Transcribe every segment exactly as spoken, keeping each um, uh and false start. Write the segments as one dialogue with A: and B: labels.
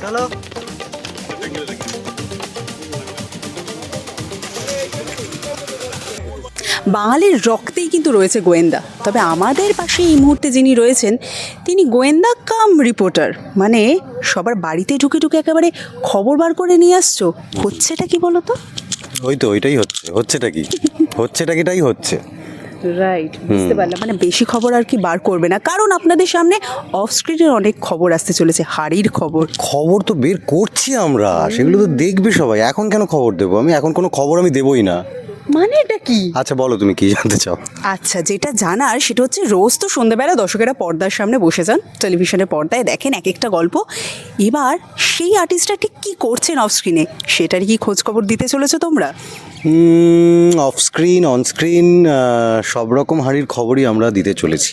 A: চলো।
B: বাঙালির রক্তেই কিন্তু রয়েছে গোয়েন্দা, তবে আমাদের পাশে এই মুহূর্তে যিনি রয়েছেন তিনি গোয়েন্দা কাম রিপোর্টার, মানে সবার বাড়িতে ঢুকে ঢুকে একেবারে খবর বার করে নিয়ে আসছো। হচ্ছেটা কি বলো তো?
C: ওই তো ওইটাই হচ্ছে। হচ্ছেটা কি হচ্ছেটা কিটাই হচ্ছে।
B: রাইট, বুঝতে পারলাম। মানে বেশি খবর আর কি বার করবে না, কারণ আপনাদের সামনে অফ স্ক্রিনের অনেক খবর আসতে চলেছে, হাড়ির খবর।
C: খবর তো বের করছি আমরা, সেগুলো তো দেখবে সবাই। এখন কেন খবর দেবো আমি? এখন কোনো খবর আমি দেবই না।
B: মানে এটা কি?
C: আচ্ছা বলো, তুমি কি জানতে চাও?
B: আচ্ছা, যেটা জানার সেটা হচ্ছে রোজ তো সন্ধ্যাবেলা দর্শকেরা পর্দার সামনে বসে যান, টেলিভিশনের পর্দায় দেখেন এক একটা গল্প। এবার সেই আর্টিস্টটা ঠিক কী করছেন অফ স্ক্রিনে সেটারই কি খোঁজ খবর দিতে চলেছো তোমরা?
C: অফ স্ক্রিন, অন স্ক্রিন, সব রকম হাড়ির খবরই আমরা দিতে চলেছি।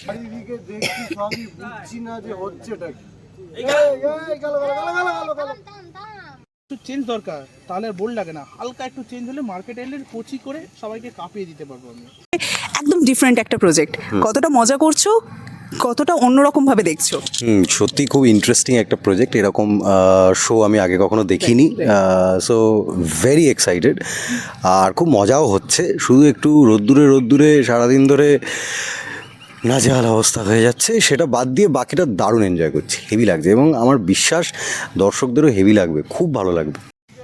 A: একটু চেঞ্জ দরকার, তাহলে আর বোল্ড লাগে না। হালকা একটু চেঞ্জ হলে মার্কেট এলে কোচি করে সবাইকে কাঁপিয়ে দিতে পারবো আমি।
B: একদম ডিফারেন্ট একটা প্রজেক্ট। কতটা মজা করছো, কতটা অন্যরকম ভাবে দেখছো?
C: হুম, সত্যি খুব ইন্টারেস্টিং একটা প্রজেক্ট। এরকম শো আমি আগে কখনো দেখিনি, সো ভেরি এক্সাইটেড। আর খুব মজাও হচ্ছে। শুধু একটু রোদ্দুরে রোদ্দুরে সারাদিন ধরে নাজেহাল অবস্থা হয়ে যাচ্ছে, সেটা বাদ দিয়ে বাকিটা দারুণ এনজয় করছি। হেভি লাগছে এবং আমার বিশ্বাস দর্শকদেরও হেভি লাগবে, খুব ভালো লাগবে।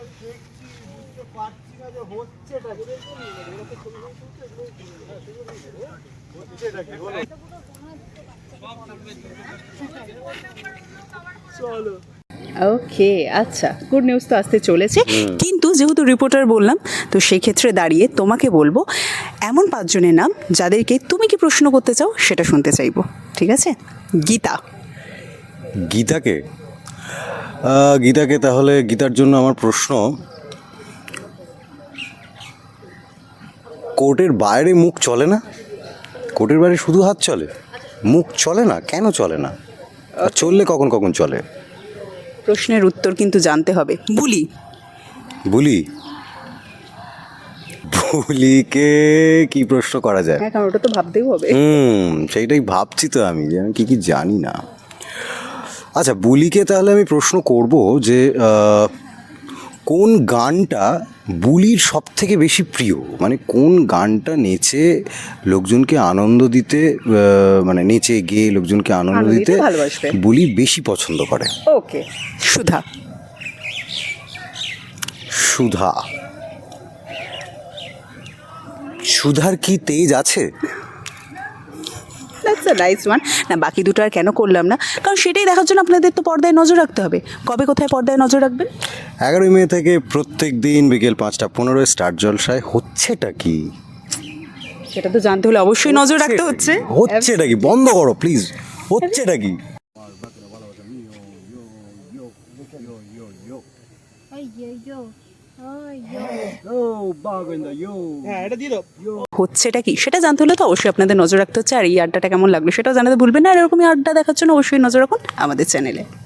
B: ওকে, আচ্ছা, গুড নিউজ তো আসতে চলেছে। কিন্তু যেহেতু রিপোর্টার বললাম, তো সেই ক্ষেত্রে দাঁড়িয়ে তোমাকে বলবো এমন পাঁচজনের নাম যাদেরকে তুমি কি প্রশ্ন করতে চাও সেটা শুনতে চাইবো, ঠিক আছে? গীতা।
C: গীতাকে আহ, গীতাকে তাহলে গীতার জন্য আমার প্রশ্ন, কোর্টের বাইরে মুখ চলে না? কোর্টের বাইরে শুধু হাত চলে, মুখ চলে না, কেন চলে না? আর চললে কখন কখন চলে?
B: প্রশ্নের উত্তর কিন্তু জানতে হবে। বুলি।
C: বুলি বুলিকে কি প্রশ্ন করা যায়?
B: হ্যাঁ, কারণ ওটা তো ভাবতেই হবে।
C: হুম, সেইটাই ভাবছি তো আমি, যে আমি কী কী জানি না। আচ্ছা, বুলিকে তাহলে আমি প্রশ্ন করব যে আহ, কোন গানটা বুলির সব থেকে বেশি প্রিয়? মানে কোন গানটা নেচে লোকজনকে আনন্দ দিতে, আহ, মানে নেচে গেয়ে লোকজনকে আনন্দ
B: আনন্দ দিতে
C: দিতে
B: ভালোবাসবে।
C: বুলি বেশি পছন্দ করে?
B: ওকে, সুধা।
C: সুধা। সুধার কি তেজ আছে?
B: That's a nice one. না, বাকি দুটো আর কেন করলাম না, কারণ সেটাই দেখার জন্য আপনাদের তো পর্দায় নজর রাখতে হবে। কবে কোথায় পর্দায় নজর রাখবেন?
C: এগারোই মে থেকে প্রত্যেক দিন বিকেল পাঁচটা পনেরোয় স্টার জলসায়। হচ্ছেটা কি
B: সেটা তো জানতে হলে অবশ্যই নজর রাখতে হচ্ছে।
C: হচ্ছেটা কি বন্ধ করো প্লিজ। হচ্ছেটা কি?
A: হ্যাঁ, এটা দিয়ে দাও।
B: হচ্ছেটা কি সেটা জানতে হলে তো অবশ্যই আপনাদের নজর রাখতে হচ্ছে। আর এই আড্ডাটা কেমন লাগলো সেটাও জানাতে ভুলবেন না। আর এরকমই আড্ডা দেখার জন্য অবশ্যই নজর রাখুন আমাদের চ্যানেলে।